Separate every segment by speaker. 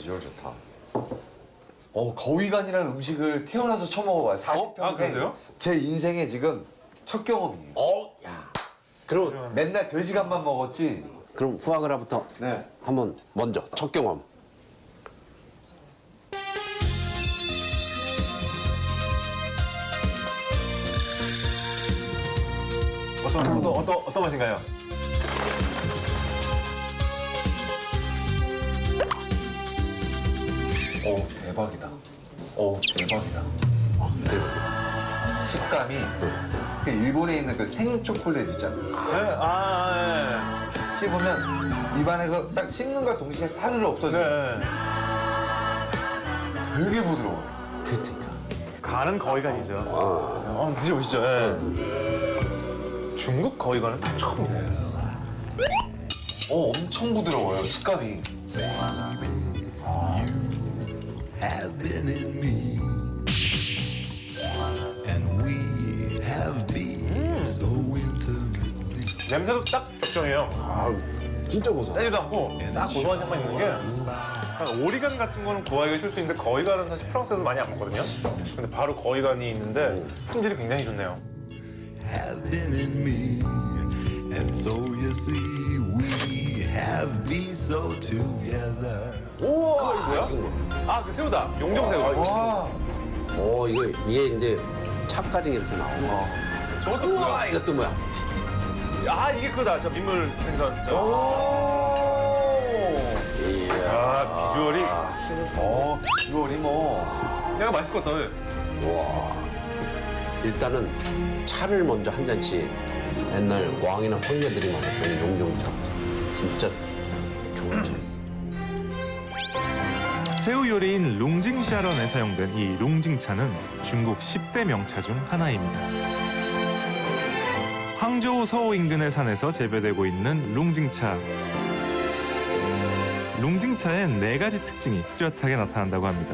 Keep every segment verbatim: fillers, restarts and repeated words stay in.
Speaker 1: 비주얼 좋다. 어, 거위간이라는 음식을 태어나서 처음 먹어봐요. 사십 평생.
Speaker 2: 아, 그러세요?
Speaker 1: 제 인생에 지금 첫 경험이에요.
Speaker 3: 어, 야. 그럼
Speaker 1: 맨날 돼지간만 먹었지.
Speaker 3: 그럼 후아그라부터
Speaker 1: 네.
Speaker 3: 한번 먼저 첫 경험.
Speaker 2: 어떤 어떤 어떤 어떤 맛인가요?
Speaker 1: 오, 대박이다. 오, 대박이다.
Speaker 3: 대박.
Speaker 1: 식감이 그 일본에 있는 그 생 초콜릿 있잖아요.
Speaker 2: 네, 아,
Speaker 1: 씹으면 입안에서 딱 씹는과 동시에 사르르
Speaker 2: 네.
Speaker 1: 없어져요.
Speaker 2: 네.
Speaker 1: 되게 부드러워요.
Speaker 3: 그러니까.
Speaker 2: 간은 거위간이죠. 어, 드셔보시죠. 예. 중국 거위간은 또 처음이네요.
Speaker 1: 어, 엄청 부드러워요, 식감이.
Speaker 4: have been in me, and we have been so intimately.
Speaker 2: 냄새도 딱 적정해요.
Speaker 3: 아, 진짜 고소.
Speaker 2: 세지도 않고 딱 고소한 향만 있는 게 약간 오리간 같은 거는 구하기가 쉬울 수 있는데 거위간은 사실 프랑스에서 많이 안 먹거든요. 근데 바로 거위간이 있는데 품질이 굉장히 좋네요.
Speaker 4: Have been in me, and so you see, we have been so together.
Speaker 2: 우와, 이거 뭐야? 아, 그 새우다. 용정새우.
Speaker 1: 와,
Speaker 3: 어, 이거 이게 이제 차까지 이렇게 나오고.
Speaker 2: 저것도
Speaker 3: 우와,
Speaker 2: 뭐야?
Speaker 3: 이것도 뭐야?
Speaker 2: 아, 이게 그거다. 저 민물 생선. 저.
Speaker 1: 오.
Speaker 3: 이야.
Speaker 2: 아, 비주얼이
Speaker 1: 어, 비주얼이 뭐.
Speaker 2: 내가 맛있을 것 같다.
Speaker 3: 와. 일단은 차를 먼저 한 잔씩 옛날 왕이나 황제들이 먹었던 용종차. 진짜 좋은 차.
Speaker 5: 새우 요리인 룽징샤런에 사용된 이 룽징차는 중국 십 대 명차 중 하나입니다. 항저우 서호 인근의 산에서 재배되고 있는 룽징차. 룽징차엔 네 가지 특징이 뚜렷하게 나타난다고 합니다.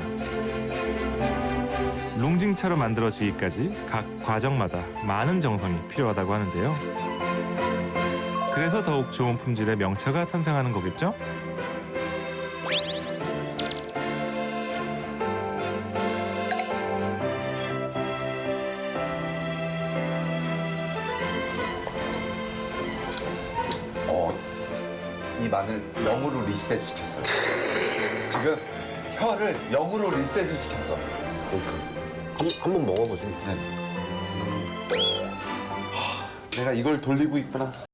Speaker 5: 룽징차로 만들어지기까지 각 과정마다 많은 정성이 필요하다고 하는데요. 그래서 더욱 좋은 품질의 명차가 탄생하는 거겠죠?
Speaker 1: 어, 이 마늘 영으로 리셋 시켰어요. 지금 혀를 영으로 리셋을 시켰어.
Speaker 3: 그러니까. 한, 한번 먹어보죠.
Speaker 1: 네. 하, 내가 이걸 돌리고 있구나.